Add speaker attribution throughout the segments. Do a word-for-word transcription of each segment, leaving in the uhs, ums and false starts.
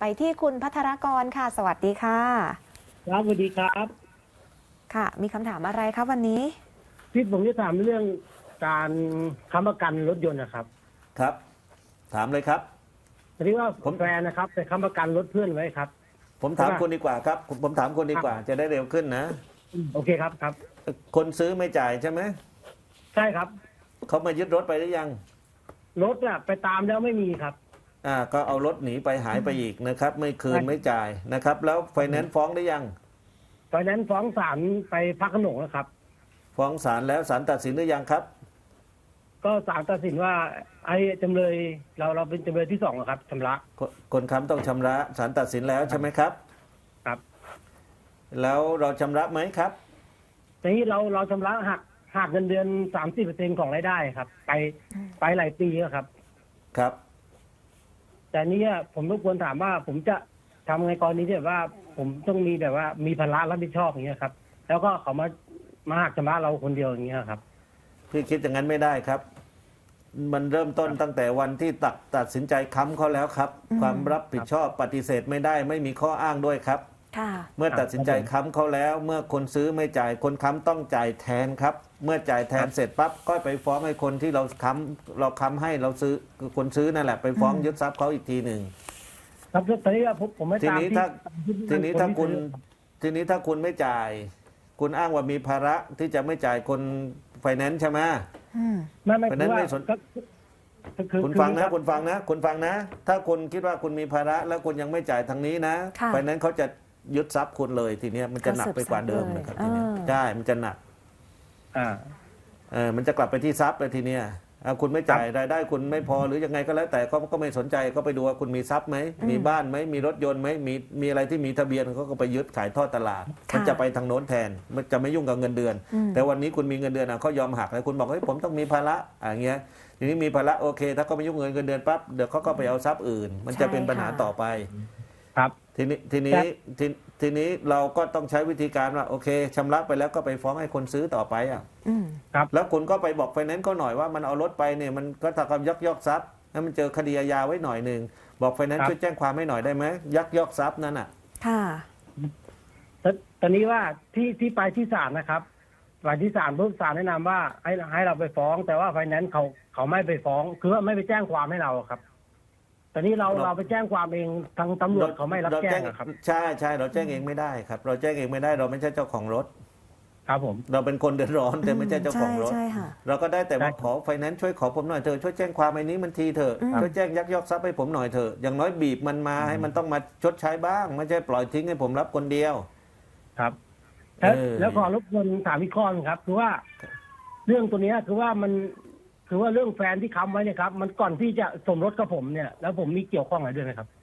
Speaker 1: ไปที่คุณพัทรกรค่ะ สวัสดีค่ะ
Speaker 2: ครับสวัสดีครับ
Speaker 1: ค่ะ มีคำถามอะไรครับวันนี้
Speaker 2: ที่ผมจะถามเรื่องการค้ำประกันรถยนต์นะครับ
Speaker 3: ครับถามเลยครับ
Speaker 2: ทีนี้ว่า
Speaker 3: ผม
Speaker 2: แฟนนะครับไปค้ำประกันรถเพื่อนไว้ครับ
Speaker 3: ผมถามคุณดีกว่าครับผมผมถามคุณดีกว่าจะได้เร็วขึ้นนะ
Speaker 2: โอเคครับครับ
Speaker 3: คนซื้อไม่จ่ายใช่ไหม
Speaker 2: ใช่ครับ
Speaker 3: เขามายึดรถไปหรือยัง
Speaker 2: รถอะไปตามแล้วไม่มีครับ
Speaker 3: อ่าก็เอารถหนีไปหายไปอีกนะครับ ไม่คืนไม่จ่ายนะครับ แล้วไฟแนนซ์ฟ้องได้ยัง
Speaker 2: ตอนนั้นฟ้องศาลไปพักขนงแล้วครับ
Speaker 3: ฟ้องศาลแล้วศาลตัดสินหรือยังครับ
Speaker 2: ก็ศาลตัดสินว่าไอ้จำเลยเราเราเป็นจำเลยที่สองครับชำระ
Speaker 3: คนค้ำต้องชำระศาลตัดสินแล้วใช่ไหมครับ
Speaker 2: ครับ
Speaker 3: แล้วเราชำระไหมครับ
Speaker 2: ทีนี้เราเราชำระหักหักเงินเดือนสามสิบเปอร์เซ็นของรายได้ครับ ไปไปหลายปีแล้วครับ
Speaker 3: ครับ
Speaker 2: แต่นี้ผมรบกวนถามว่าผมจะทำไงกรณีที่แบบว่าผมต้องมีแบบว่ามีภาระรับผิดชอบอย่างเงี้ยครับแล้วก็เขามามาหักชำระเราคนเดียวอย่างเงี้ยครับ
Speaker 3: พี่คิดอย่างนั้นไม่ได้ครับมันเริ่มต้นตั้งแต่วันที่ตัดตัดสินใจค้ำเขาแล้วครับความรับผิดชอบปฏิเสธไม่ได้ไม่มีข้ออ้างด้วยครับเมื่อตัดสินใจค้ำเขาแล้วเมื่อคนซื้อไม่จ่ายคนค้ำต้องจ่ายแทนครับเมื่อจ่ายแทนเสร็จปั๊บก็ไปฟ้องให้คนที่เราค้ำเราค้ำให้เราซื้อคนซื้อนั่นแหละไปฟ้องยึดทรัพย์เขาอีกทีหนึ่ง
Speaker 2: ครับตอนนี้ผมผมไม่
Speaker 3: ที
Speaker 2: ตาม
Speaker 3: นี้ถ้าทีนี้ถ้าคุณทีนี้ถ้าคุณไม่จ่ายคุณอ้างว่ามีภาระที่จะไม่จ่ายคนไฟแนนซ์ใช่ไหม
Speaker 2: ไม่ไม่
Speaker 3: ไฟแนนซ์ไม่สนคุณฟังนะคุณฟังนะคุณฟังนะถ้าคุณคิดว่าคุณมีภาระแล้วคุณยังไม่จ่ายทางนี้นะไฟแนนซ์เขาจะยึดทรัพย์คุณเลยทีนี้มันจะหนักไปกว่าเดิมนะครับทีนี้ใช่มันจะหนัก
Speaker 2: อ่า
Speaker 3: เออมันจะกลับไปที่ทรัพย์เลยทีเนี้ยคุณไม่จ่ายรายได้คุณไม่พอหรือยังไงก็แล้วแต่เขาก็ไม่สนใจก็ไปดูว่าคุณมีทรัพย์ไหมมีบ้านไหมมีรถยนต์ไหมมีมีอะไรที่มีทะเบียนเขาก็ไปยึดขายทอดตลาดมันจะไปทางโน้นแทนมันจะไม่ยุ่งกับเงินเดือนแต่วันนี้คุณมีเงินเดือนเขายอมหักแล้วคุณบอกเฮ้ยผมต้องมีภาระอย่างเงี้ยทีนี้มีภาระโอเคถ้าเขาไม่ยุ่งเงินเงินเดือนปั๊บเดี๋ยวเขาก็ไปเอาทรัพย์อื่นมันจะเป็นปัญหาต่อไป
Speaker 2: ครับ
Speaker 3: ทีนี้ทีนี้ทีทีนี้เราก็ต้องใช้วิธีการว่าโอเคชำระไปแล้วก็ไปฟ้องให้คนซื้อต่อไปอ่ะ
Speaker 2: ครับ
Speaker 3: แล้วคุณก็ไปบอกไฟแนนซ์เขาหน่อยว่ามันเอารถไปเนี่ยมันก็ทำความยักยอกทรัพย์ให้มันเจอคดีอาญาไว้หน่อยหนึ่งบอกไฟแนนซ์ช่วยแจ้งความให้หน่อยได้ไหมยักยอกทรัพย์นั่นอ่ะ
Speaker 1: ค่ะ
Speaker 2: ตอนนี้ว่าที่ที่ไปที่ศาลนะครับไปที่ศาลผู้ศาลแนะนำว่าให้ให้เราไปฟ้องแต่ว่าไฟแนนซ์เขาเขาไม่ไปฟ้องคือว่าไม่ไปแจ้งความให้เราครับตอนนี้เราเราไปแจ้งความเองทางตำรวจเขาไม่รับแจ้งครับ
Speaker 3: ใช่ใช่เราแจ้งเองไม่ได้ครับเราแจ้งเองไม่ได้เราไม่ใช่เจ้าของรถ
Speaker 2: ครับผม
Speaker 3: เราเป็นคนเดือดร้อนแต่ไม่ใช่เจ้าของรถเราก็ได้แต่ว่าขอไฟแนนซ์ช่วยขอผมหน่อยเถอะช่วยแจ้งความไอ้นี้มันทีเถอะช่วยแจ้งยักยอกทรัพย์ให้ผมหน่อยเถอะอย่างน้อยบีบมันมาให้มันต้องมาชดใช้บ้างไม่ใช่ปล่อยทิ้งให้ผมรับคนเดียว
Speaker 2: ครับแล้วขอรบกวนถามอีกข้อนึงครับคือว่าเรื่องตัวนี้คือว่ามันคือว่าเรื่องแฟนที่ค้ำไว้เนี่ยครับมันก่อนที่จะสมรสกับผมเนี่ยแล้วผมมีเกี่ยวข้องอะไรด้วยไหมครับ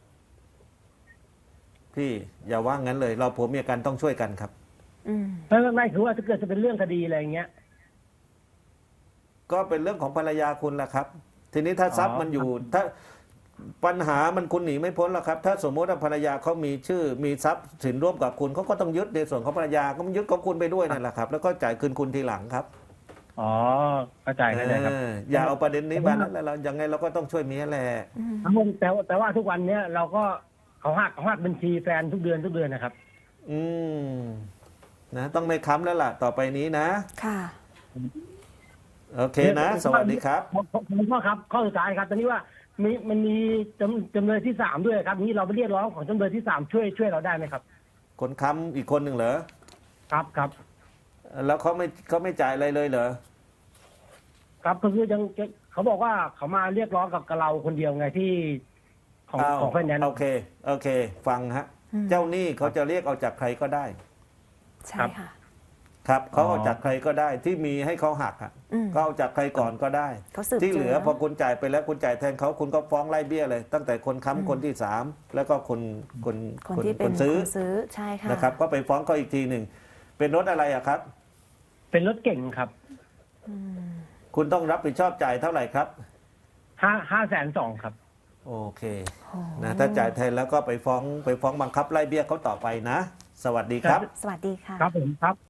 Speaker 3: พี่อย่าว่างั้นเลยเราผมมีกันต้องช่วยกันครับ
Speaker 2: ไม่ไม่ไม่คือว่าถ้าเกิดจะเป็นเรื่องคดีอะไรอย่างเงี้ย
Speaker 3: ก็เป็นเรื่องของภรรยาคุณแหละครับทีนี้ถ้าทรัพย์มันอยู่ถ้าปัญหามันคุณหนีไม่พ้นแล้วครับถ้าสมมติว่าภรรยาเขามีชื่อมีทรัพย์สินร่วมกับคุณเขาก็ต้องยึดในส่วนของภรรยาก็ยึดของคุณไปด้วยนั่นแหละครับแล้วก็จ่ายคืนคุณทีหลังครับ
Speaker 2: อ๋อเข้าใจกันเลยครับ
Speaker 3: อย่าเอาประเด็นนี้มานั้นแล้วเรายังไงเราก็ต้องช่วยเมียแหละ
Speaker 2: แต่แต่ว่าทุกวันเนี้ยเราก็เขาหักเขาหักบัญชีแฟนทุกเดือนทุกเดือนนะครับ
Speaker 3: อืมนะต้องไม่ค้ำแล้วล่ะต่อไปนี้นะ
Speaker 1: ค่ะ
Speaker 3: โอเคนะสวัสดีครับ
Speaker 2: ผมพ่อครับข้อสุดท้ายครับตอนนี้ว่ามีมันมีจำจำเลยที่สามด้วยครับนี้เราไปเรียกร้องของจำเลยที่สามช่วยช่วยเราได้ไหมครับ
Speaker 3: คนค้ำอีกคนหนึ่งเหรอ
Speaker 2: ครับครับ
Speaker 3: แล้วเขาไม่เขาไม่จ่ายอะไรเลยเหรอ
Speaker 2: ครับก็คือยังเขาบอกว่าเขามาเรียกร้องกับเราคนเดียวไงที่ของของไฟแนนซ์
Speaker 3: โอเคโอเคฟังฮะเจ้าหนี้เขาจะเรียกเอาจากใครก็ได้
Speaker 1: ใช่ค่ะ
Speaker 3: ครับเขาเอาจากใครก็ได้ที่มีให้เขาหักอ่ะก็เอาจากใครก่อนก็ได้ที่เหลือพอคุณจ่ายไปแล้วคุณจ่ายแทนเขาคุณก็ฟ้องไล่เบี้ยเลยตั้งแต่คนค้ำคนที่สามแล้วก็คนคน
Speaker 1: คนที่เป็น
Speaker 3: ซื้อ
Speaker 1: ใช่ค่ะ
Speaker 3: นะครับก็ไปฟ้องเขาอีกทีหนึ่งเป็นรถอะไรอะครับ
Speaker 2: เป็นรถเก่งครับ
Speaker 3: คุณต้องรับผิดชอบจ่ายเท่าไหร่ครับ
Speaker 2: ห้าห้าแสนสองครับ
Speaker 3: โอเคนะถ้าจ่ายแทนแล้วก็ไปฟ้องไปฟ้องบังคับไล่เบี้ยเขาต่อไปนะสวัสดีครับ
Speaker 1: สวัสดีค่ะ
Speaker 2: ครับผมครับ